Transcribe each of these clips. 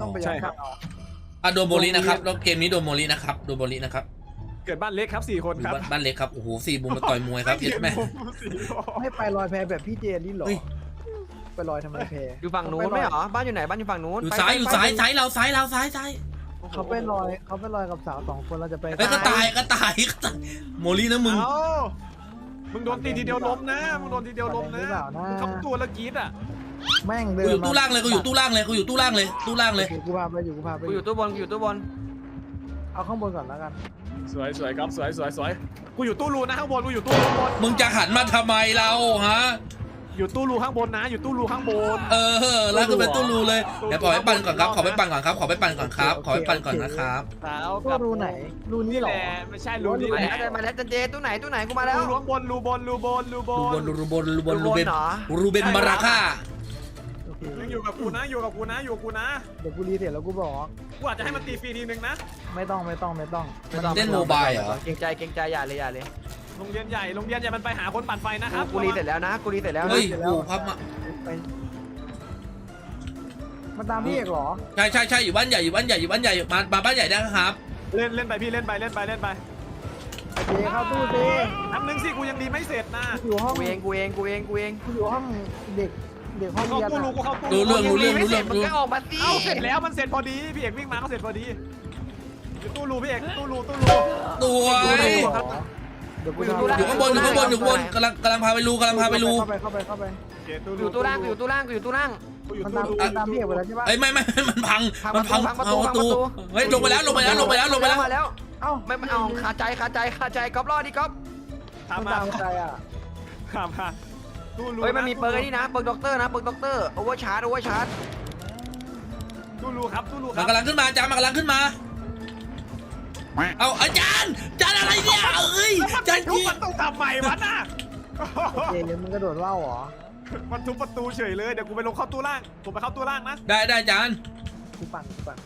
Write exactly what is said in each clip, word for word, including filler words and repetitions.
ต้องไปย้อนกลับเอาอ่ะโดนโมลินะครับแล้วเกมนี้โดนโมลินะครับโดนโมลินะครับเกิดบ้านเล็กครับสี่คนครับบ้านเล็กครับโอ้โหสี่มุมมาต่อยมวยครับเย็ดแม่ไม่ไปลอยแพแบบพี่เจนนี่หรอไปลอยทำไมแพอยู่ฝั่งนู้นไม่เหรอบ้านอยู่ไหนบ้านอยู่ฝั่งนู้นอยู่ซ้ายอยู่ซ้ายซ้ายเราซ้ายเราซ้ายซ้ายเขาไปลอยเขาไปลอยกับสาวสองคนเราจะไปเฮ้ยก็ตายก็ตายก็ตายโมลินะมึงเอ้ามึงโดนตีทีเดียวล้มนะมึงโดนทีเดียวล้มนะมึงทำตัวละกีดอ่ะแม่งเดิกูนอยู่ตู้ล่างเลยกูอยู่ตู้ล่างเลยกูอยู่ตู้ล่างเลยตู้ล่างเลยกูพาไปอยู่กูพาไปกูอยู่ตู้บนกูอยู่ตู้บนเอาข้างบนก่อนแล้วกันสวยสวยครับสวยสวยสวยกูอยู่ตู้รูนะข้างบนกูอยู่ตู้รูข้างบนมึงจะหันมาทำไมเราฮะอยู่ตู้รูข้างบนนะ อยู่ตู้รูข้างบนเออแล้วก็เป็นตู้รูเลยเดี๋ยวขอไปปั่นก่อนครับขอไปปั่นก่อนครับขอไปปั่นก่อนครับขอไปปั่นก่อนนะครับสาวก็รูไหนรูนี้นี่หรแหอละไม่ใช่รูนี่มาแหแล้วละมาแล้วจันเจตู้ไหนตู้ไหนกูมาแล้วรูข้างบนรูบนรูบนรูบรูบนนรูบนรูบนรูเบนเหรอรูเบนมาราค่าโอเคยังอยู่กับกูนะอยู่กับกูนะอยู่กับกูนะเดี๋ยวกูรีเสร็จแล้วกูบอกกูอาจจะให้มันตีฟรีทีนึงนะไม่ต้องไม่ต้องไม่ต้องเล่นโมบายเหรอเกรงใจเกรงใจอย่าเลยอย่าเลยโรงเรียนใหญ่โรงเรียนใหญ่มันไปหาคนปั่นไฟนะครับกูรีเสร็จแล้วนะกูรีเสร็จแล้วนะเฮ้ยกูพับมาไปมาตามพี่เอกเหรอใช่ใช่ใช่อยู่บ้านใหญ่อยู่บ้านใหญ่อยู่บ้านใหญ่มามาบ้านใหญ่ได้ครับเล่นเล่นไปพี่เล่นไปเล่นไปเล่นไปเจเข้าตู้เจน้ำนึงสิกูยังดีไม่เสร็จนะอยู่ห้องกูเองกูเองกูเองกูเองกูอยู่ห้องเด็กเด็กห้องเข้าเรียนตู้รูอะกูเข้าตู้รู้เรื่องรู้เรื่องไม่รู้เสเรื่ร็อจงมึงรู้ก็ออกมาสิเอ้าเสร็จแล้วมันเสร็จพอดีพี่เอกวิ่งมาก็เสร็จพอดีอยู่ตู้รูพี่เอกตู้รูตู้รูตัวเดี๋ยวกูกูอยู่ทำตู้ล่างอยู่ข้างบนอยู่ข้างบนอยู่ข้างบนกำลังกำลังพาไปรูกำลังพาไปรูเข้าไปเข้าไปเข้าไปกูอยู่ตู้ล่างกูอยู่ตู้ล่างกูอยู่ตู้ล่างกูอยู่มันตู้ตามรูมันตามพี่เอกไปแล้วใช่ปะเอ้ยไม่ไม่มันพังพังมันพังพังประตูเอาประตูพังประตูเฮ้ยลงไปแล้วลงไปแล้วลงไปแล้วลงไปแล้วมาแล้วเอ้าไม่ไม่เอาคาใจคาใจคาใจก๊อฟรอดดิก๊อฟตามมันมาตามใครอ่ะตามมาตู้รูเฮ้ยมันมีเปิร์กไอ้นี่นะเปิร์กด็อกเตอร์นะเปิร์กด็อกเตอร์โอเวอร์ชาร์จโอเวอร์ชาร์จตู้รูครับตู้รูคมัรันบกำลังขึ้นมาอาจารย์มันกำลังขึ้นมาเอาอาจารย์อาจารย์อะไรเนี่ยเอ้ยอาจารย์ทุบจีประตูทำไมวะน่ะเจยังมึงกระโดดว่าวเหรอมันทุบประตูเฉยเลยเดี๋ยวกูไปลงเข้าตู้ล่างผมไปเข้าตู้ล่างนะได้ได้อาจารย์กูปั่นกูปั่น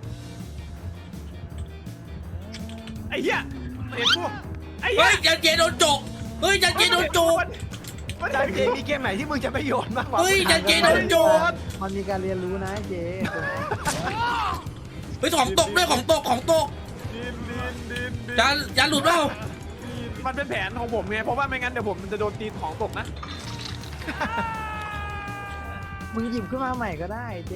ไอ้เหี้ยเห็นกูไอ้เหี้เฮ้ยยอาจารย์เจโดนจกเฮ้ยอาจารย์เจโดนจกจันเจมีเกมไหนที่มึงจะไม่โยนบ้างวะเฮ้ยอาจารย์เจโดนจกมันมีการเรียนรู้นะเจเฮ้ยของตกด้วยของตกของตกดินดินดินดินอาจารย์อาจารย์หลุดเปล่ามันเป็นแผนของผมไงเพราะว่าไม่งั้นเดี๋ยวผมจะโดนตีของตกนะมึงหยิบขึ้นมาใหม่ก็ได้เจ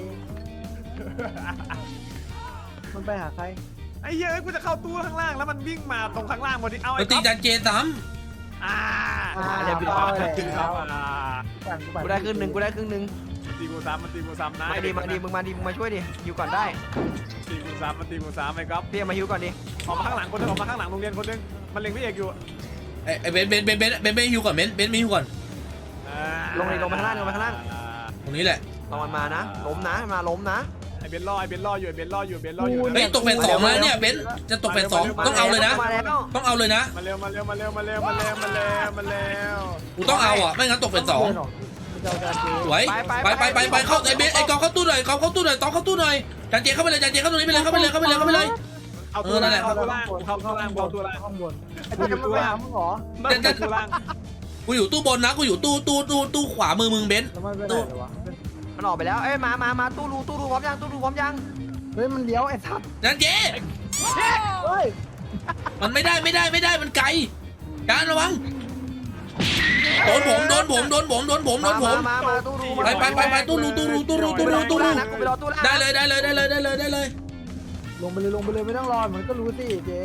มันไปหาใครไอ้เหี้ยกูจะเข้าตู้ข้างล่างแล้วมันวิ่งมาตรงข้างล่างพอดีเอาไปไอ้ตีก๊อฟอาจารย์เจซ้อ่าอ่าเรียบร้อยครับอ่าปั่นกูปั่นกูได้ครึ่งหนึ่งกูได้ครึ่งหนึ่งตีกูซ้ำมันตีกูซ้ำนะมาดีมาดีมึงมาดีมึงมาช่วยดิฮิวก่อนได้ตีกูซ้ำมันตีกูซ้ำไอ้ก๊อฟพี่มาฮิวก่อนดิออกมาข้างหลังคนนึงออกมาข้างหลังโรงเรียนคนนึงมันเล็งพี่เอกอยู่ำไอ้ไอ้เบนเบนเบนเบนเบนเบนฮิวก่อนเบนเบนไม่ฮิวก่อนอ่าลงเลยลงไปข้างล่างลงไปข้างล่างตรงนี้แหละลองมันมานะล้มนะมาล้มนะไอ้เบนล่อไอ้เบนล่ออยู่ไอ้เบนล่ออยู่เบนล่ออยู่เฮ้ยตกเป็นสองแล้วเนี่ยเบนจะตกเป็นสองต้องเอาเลยนะมาแล้วต้องเอาเลยนะมาเร็วมาเร็วมาเร็วมาเร็วมาเร็วมาเร็วมาเร็วกูต้องเอาอ่ะไม่งั้นตกเป็นสองเจ้าการเจสวยไปไปไปไปเข้าไอ้เบนไอ้กองเข้าตู้หน่อยกองเข้าตู้หน่อยต้องเข้าตู้หน่อยอาจารย์เจเข้าไปเลยอาจารย์เจเข้าตรงนี้ไปเลยเข้าไปเลยเข้าไปเลยเข้าไปเลยเอาตัวล่างเอาตัวล่างเข้าตัวล่างเอาตัวล่างข้างบนไอ้เจมันไปหามึงเหรอไม่ตัวล่างกูอยู่ตู้บนนะกูอยู่ตู้ตู้ตู้ตู้ขวามือมึงเบนแล้วมันไปไหนเลยวะมันออกไปแล้วเอ้ยมามามาตู้รูตู้รูพร้อมยังตู้รูพร้อมยังเฮ้ยมันเลี้ยวไอ้ทับอาจารย์เจเฮ้ยมันไม่ได้ไม่ได้ไม่ได้มันไกลอาจารย์ระวังโดนผมโดนผมโดนผมโดนผมโดนผมมามาตู้รูไปไปไปไปตู้รูตู้รูตู้รูตู้รูตู้รูนะกูไปรอตู้ล่างได้เลยได้เลยได้เลยได้เลยได้เลยลงไปเลยลงไปเลยไม่ต้องรอมันก็รู้สิเจ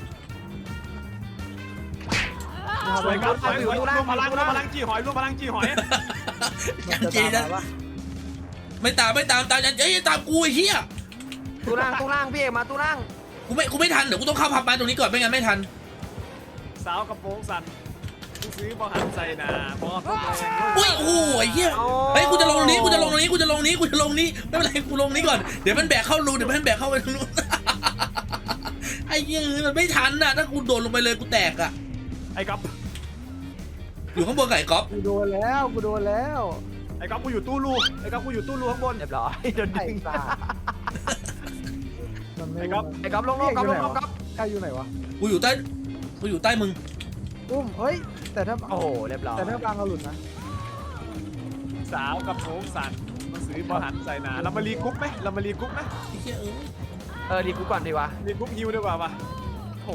สวยครับสวยรวมพลังรวมพลังจีหอยรวมพลังจีหอยอาจารย์เจนะไม่ตามไม่ตามตามอาจารย์เจตามกูไอ้เหี้ยตู้ล่างตู้ล่างพี่เอกมาตู้ล่างกูไม่กูไม่ทันเดี๋ยวกูต้องเข้าพับมาตรงนี้ก่อนไม่งั้นไม่ทันสาวกระโปรงสั่นซื้อบอหันใส่นาพอตัวแรงอุ้ยโอ้โหไอ้เหี้ยเฮ้ยกูจะลงตรงนี้กูจะลงตรงนี้กูจะลงนี้กูจะลงนี้ไม่เป็นไรกูลงนี้ก่อนเดี๋ยวมันแบกเข้ารูเดี๋ยวมันแบกเข้าไปตรงนู้นไอ้เหี้ยมันไม่ทันน่ะถ้ากูโดดลงไปเลยกูแตกอ่ะไอ้ก๊อฟอยู่ข้างบนไก่ก๊อฟกูโดนแล้วกูโดนแล้วไอ้ก๊อฟกูอยู่ตู้รูไอ้ก๊อฟกูอยู่ตู้รูข้างบนเรียบร้อยโดนไอ้ดึงตามันไม่ไอ้ก๊อฟไอ้ก๊อฟลงลงก๊อฟลงลงก๊อฟใครอยู่ไหนวะกูอยู่ใต้กูอยู่ใต้มึงอุ้มเฮ้ยแต่ถ้าโอ้โหเรียบร้อยแต่ถ้าบางเอาหลุดนะสาวกระโปรงสั่นมันซื้อบอหันใส่หนาเรามารีกรุ๊ปไหมเรามารีกรุ๊ปไหมไอ้เหี้ยเอ้ยเออดีกูก่อนดีวะรีกรุ๊ปฮิวดีกว่าปะโห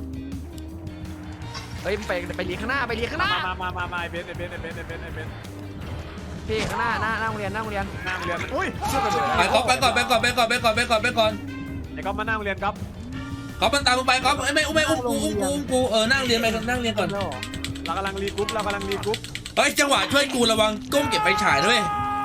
เฮ้ยไปไปลีข้างหน้าไปลีข้างหน้ามามามามาไอเบนไอเบนไอเบนไอเบนไอเบนพี่ข้างหน้าหน้าหน้าโรงเรียนหน้าโรงเรียนนั่งเรียนอุ้ยเชื่อไปเลยไปก๊อฟไปก่อนไปก่อนไปก่อนไปก่อนไปก่อนไปก่อนไอ้ก๊อฟมานั่งเรียนก๊อฟก๊อฟมันตามมึงไปก๊อฟไอ้ไม่อุ้มไม่อุ้มกูอุ้มกูอุ้มกูเออนั่งเรียนไปนั่งเรียนก่อนแล้วเหรอเรากำลังรีกรุ๊ปเรากำลังรีกรุ๊ปเฮ้ยจังหวะช่วยกูระวังก้มเก็บไฟฉายด้วย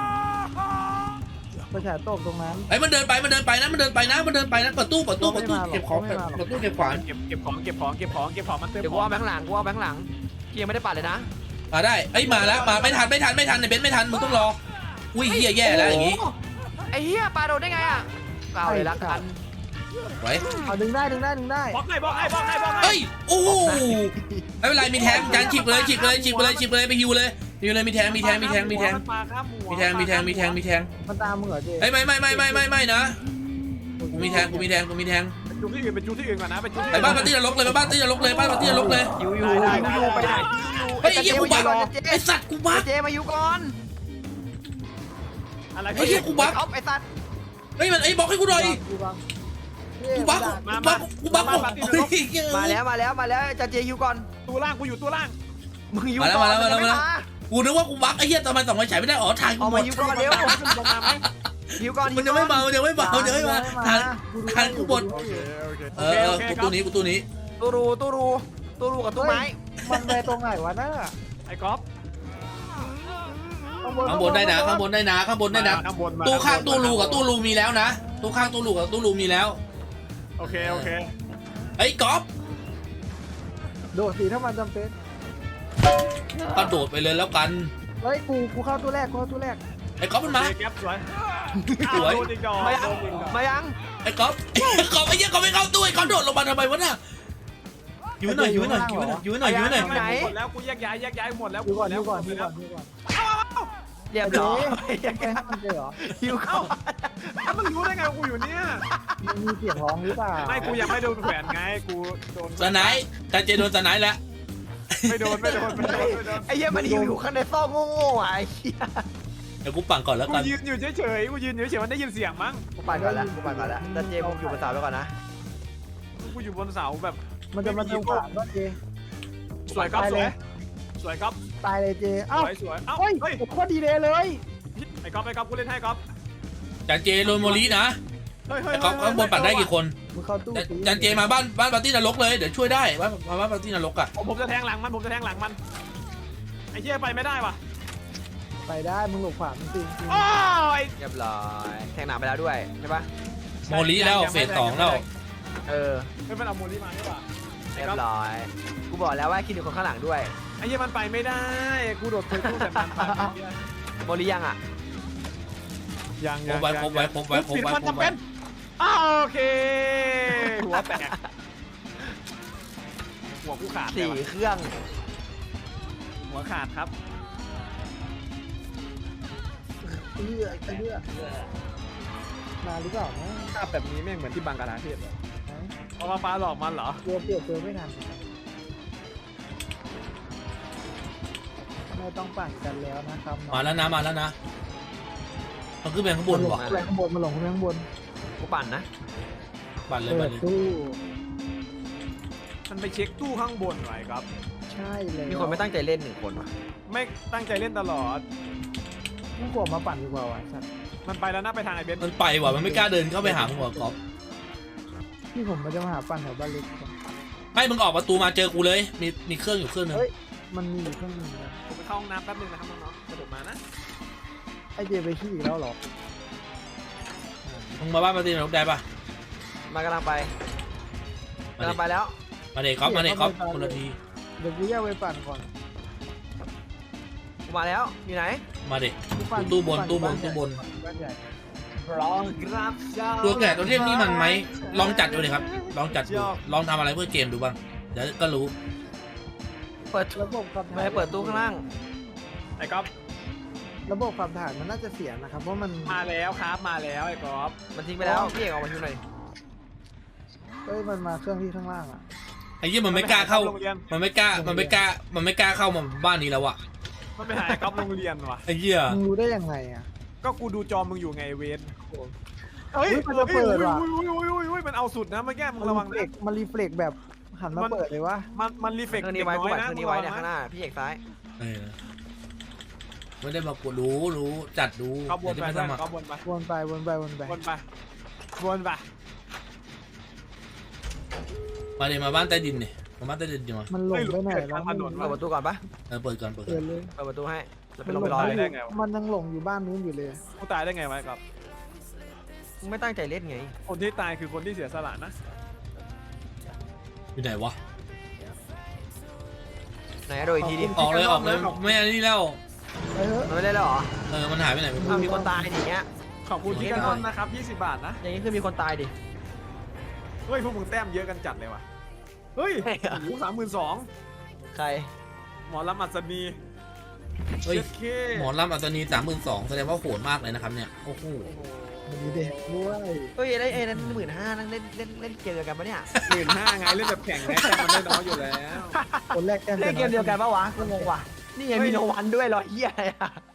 ประชาตบตรงนั้นไอ้มันเดินไปมันเดินไปนะมันเดินไปนะมันเดินไปนะเปิดตู้เปิดตู้เปิดตู้เก็บของเปิดตู้เก็บขวานเก็บเก็บของเก็บของเก็บของเก็บของมันเติมเดี๋ยวกูเอาแบงค์หลังกูเอาแบงค์หลังเกียร์ไม่ได้ปัดเลยนะมาได้เอ้ยมาแล้วมาไม่ทันไม่ทันไม่ทันในเบนซ์ไม่ทันมึงต้องรออุ้ยเหี้ยแย่แล้วอย่างงี้ไอ้เหี้ยปลาโดนได้ไงอ่ะเอาเลยละกันไว้เอาดึงได้ดึงได้ดึงได้บล็อกให้บล็อกให้บล็อกให้บล็อกให้เฮ้ยโอ้โหไม่เป็นไรมีแทงจานฉีกเลยฉีกเลยฉีกเลยฉีกเลยไปฮิวเลยฮิวเลยมีแทงมีแทงมีแทงมีแทงมาครับหมีแทงมีแทงมีแทงมีแทงมันตามมึงเหรอเจเฮ้ยไม่ไม่ไม่ไม่ไม่ไม่นะกูมีแทงกูมีแทงกูมีแทงจุดที่อื่นเป็นจุดที่อื่นก่อนนะเป็นจุดที่ไปบ้านปาร์ตี้นรกเลยไปบ้านปาร์ตี้นรกเลยบ้านปาร์ตี้นรกเลยยูยูยูไปไหนเฮ้ยไอ้เหี้ยกูบักไอ้สัตว์กูบักเจมายูก่อนอะไรไอ้เหี้ยกูบักเอาไอ้สัตว์เฮ้ยมันไอ้บอกให้กูหน่อยกูบังกูบักกูบักกูบักเฮ้ยมาแล้วมาแล้วมาแล้วจะเจยูก่อนตัวล่างกูอยู่ตัวล่างมึงยูก่อนมากูนึกว่ากูบักไอ้เหี้ยทำไมส่องไฟฉายไม่ได้อ๋อทางกูเอาหมมาดยูก่อนเร็วลงมาไหมยูก่อนมันยังไม่มามันยังไม่มามันยังไม่มาทางทางกูหมดโอเคโอเคเออเออกูตู้นี้กูตู้นี้ตู้รูตู้รูตู้รูกับตู้ไม้มันไปตรงไหนวะน่ะไอ้ก๊อฟข้างบนได้นะข้างบนได้นะข้างบนได้นะข้างบนมาตู้ข้างตู้รูกับตู้รูมีแล้วนะตู้ข้างตู้รูกับตู้รูมีแล้วโอเคโอเคไอ้ก๊อฟโดดสีถ้ามันจำเป็นกระโดดไปเลยแล้วกันเฮ้ยกูกูเข้าตัวแรกกูเข้าตัวแรกไอ้ก๊อฟมันมาแก๊ปสวยสวยโดนอีกดอกมายังโดนอีกดอกมายังไอ้ก๊อฟไอ้ก๊อฟไอ้เหี้ยก๊อฟไม่เข้าตู้ไอ้ก๊อฟโดดลงมาทำไมวะน่ะอยู่หน่อยอยู่หน่อยอยู่หน่อยอยู่หน่อยอยู่หน่อยไม่หมดแล้วกูแยกย้ายแยกย้ายหมดแล้วดูก่อนแล้ดูวก่อนดูก่อนดูก่อนเรียบร้อยไปให้มันเจอเหรอยูก่อนถ้ามึงรู้ได้ไงกูอยู่เนี่ยมันมีเสียงร้องหรือเปล่าไม่กูยังไม่โดนแขวนไงกูโดนสไนด์จานเจโดนสไนด์แล้วไม่โดนไม่โดนไม่โดนไม่โดนไอ้เหี้ยมันอยู่ข้างในซอกโง่ๆอ่ะไอ้เหี้ยเดี๋ยวกูปั่นก่อนแล้วกูกันยืนอยู่เฉยๆกูยืนอยู่เฉยๆมันได้ยินเสียงมั้งกูปั่นก่อนละกูปั่นก่อนละแต่เจมึงอยู่บนเสาไปก่อนนะกูอยู่บนเสาแบบมันจะมาเติมขวานก็เจสวยครับสวยสวยครับตายเลยเจสเอ้าวยสวยเอ้าเฮ้ยเฮ้ยโคตรดีเลยเลยไอ้ก๊อฟไอ้ก๊อฟกูเล่นให้ก๊อฟจานเจโดนโมลีนะเฮ้ยเฮ้ยไอ้ก๊อฟข้างบนปั่นได้กี่คนมึงเข้าตู้จานเจมาบ้านบ้านปาร์ตี้นรกเลยเดี๋ยวช่วยได้บ้านมาบ้านปาร์ตี้นรกอ่ะผมจะแทงหลังมันผมจะแทงหลังมันไอ้เหี้ยไปไม่ได้ว่ะไปได้มึงหลบขวานจริงจริงโอ้ยเรียบร้อยแทงหนักไปแล้วด้วยใช่ปะโมลีแล้วเฟสสองแล้วเออไม่เป็นเอาโมลี่มาดีกว่าเรียบร้อยกูบอกแล้วว่าคิดถึงคนข้างหลังด้วยไอ้เหี้ยมันไปไม่ได้กูโดดเคยตู้แต่มันไปไม่ได้โมลียังอ่ะยังครบไว้ครบไว้ครบไว้ครบไว้ครบไว้อ้าวโอเคหัวแตกหัวกูขาดสี่เครื่องหัวขาดครับเลือดเลือดมาหรือเปล่านะภาพแบบนี้แม่งเหมือนที่บังกลาเทศเลยเอามาฟ้าหลอกมันเหรอตัวเปลี่ยนตัวไม่ทันไม่ต้องปั่นกันแล้วนะครับมาแล้วนะมาแล้วนะมันขึ้นไปข้างบนลงว่ะข้างบนมาลงข้างบนกูปั่นนะปั่นเลยเปิปั่ดนเลยตู้มันไปเช็คตู้ข้างบนหน่อยครับใช่เลยมีคนไม่ตั้งใจเล่นหนึ่งคนว่ะไม่ตั้งใจเล่นตลอดมึงกลัวมาปั่นดีกว่าว่ะสัตว์มันไปแล้วนะไปทางไอ้เบนซ์มันไปว่ะมันไม่กล้าเดินเข้าไปหามึงว่ะก๊อฟที่ผมมันจะมาหาปั่นแถวบ้านเล็กให้มึงออกประตูมาเจอกูเลยมีมีเครื่องอยู่เครื่องนึงเฮ้ยมันมีอยู่เครื่องนึงนะผมไปเข้าห้องน้ำแป๊บนึงนะครับน้องๆกระโดดมานะไอเจไปขี้อีกแล้วเหรอมึงมาบ้านปาร์ตี้นรกได้ปะมากำลังไปกำลังไปแล้วมาเด็กก๊อฟมาเด็กก๊อฟคนละทีเดี๋ยวกูแยกไปปั่นก่อนกูมาแล้วอยู่ไหนมาเด็กกูปั่นตู้บนตู้บนตู้บนบ้านใหญ่รองรับเจ้าตัวแก่ตัวเทพนี่มันไหมลองจัดดูเลยครับลองจัดดูลองทำอะไรเพื่อเกมดูบ้างเดี๋ยวก็รู้เปิดระบบขับถ่ายไม่ให้เปิดตู้ข้างล่างไอ้ก๊อฟระบบขับถ่ายมันน่าจะเสียนะครับเพราะมันมาแล้วครับมาแล้วไอ้ก๊อฟมันทิ้งไปแล้วพี่เอกออกมาดูหน่อยเอ้ยมันมาเครื่องที่ข้างล่างอ่ะไอ้ยี่มันไม่กล้าเข้าโรงเรียนมันไม่กล้ามันไม่กล้ามันไม่กล้าเข้ามาบ้านนี้แล้วอะมันไปหาไอ้ก๊อฟโรงเรียนว่ะไอ้เหี้ยมึงรู้ได้ยังไงอ่ะก็กูดูจอมึงอยู่ไงเวนเฮ้ยมันจะเปิดว่ะอุ้ยอุ้ยอุ้ยอุ้ยอุ้ยมันเอาสุดนะเมื่อกี้มึงมันระรีวังเฟล็กมันรีเฟล็กแบบหันมาเปิดเลยวะมันมันรีเฟกเครื่องนี้ไว้กูแบตเครื่องนี้ไว้เนี่ยข้างหน้าพี่เอกซ้ายเออไม่ได้มากดรู้รู้จัดรู้เขาบนเดี๋ยวไปจะไม่สมัครเขาบนไปวนไปวนไปวนไปบนไปบนไปมาเลยมาบ้านใต้ดินเนี่ยมาบ้านใต้ดินดีมามันหลงไปไหนแล้วถนนเปิดประตูก่อนปะเออเปิดก่อนเปิดก่เปิอดนเลยเปิดประตูให้แล้วไปมันลงหลไปรองเลยได้ไงวะมันยังหลงอยู่บ้านนู้นอยู่เลยกูตายได้ไงวะกับมึงไม่ตั้งใจเล่นไงคนที่ตายคือคนที่เสียสละนะอยู่ไหนวะไหนโดยอีกทีดิออกเลยออกเลยไม่อันนี้แล้วเออมันไม่เล่นแล้วเหรอเออมันหายไปไหนไม่รู้อ้าวมีคนตายดิอย่างเงี้ยขอบคุณที่กันนอนนะครับยี่สิบบาทนะอย่างงี้คือมีคนตายดิเฮ้ยพวกมึงแต้มเยอะกันจัดเลยว่ะเฮ้ยหูสามหมื่นสองใครหมอลำอัศนีเฮ้ยเช็ดเคหมอลำอัตนีสามหมื่นสองแสดงว่าโหดมากเลยนะครับเนี่ยโอ้โหมีเด็กด้วยเฮ้ยไอ้ไอ้นั่นหมื่นห้านั่นเล่นเล่นเล่นเกมเดียวกันปะเนี่ยหมื่นห้าไงเล่นแบบแข่งไงแต่มันได้น้อยอยู่แล้วคนแรกแก้มเล่นเกมเดียวกันปะวะกูงงว่ะนี่ไงมีโนวันด้วยเหรอเฮียอะไรอะ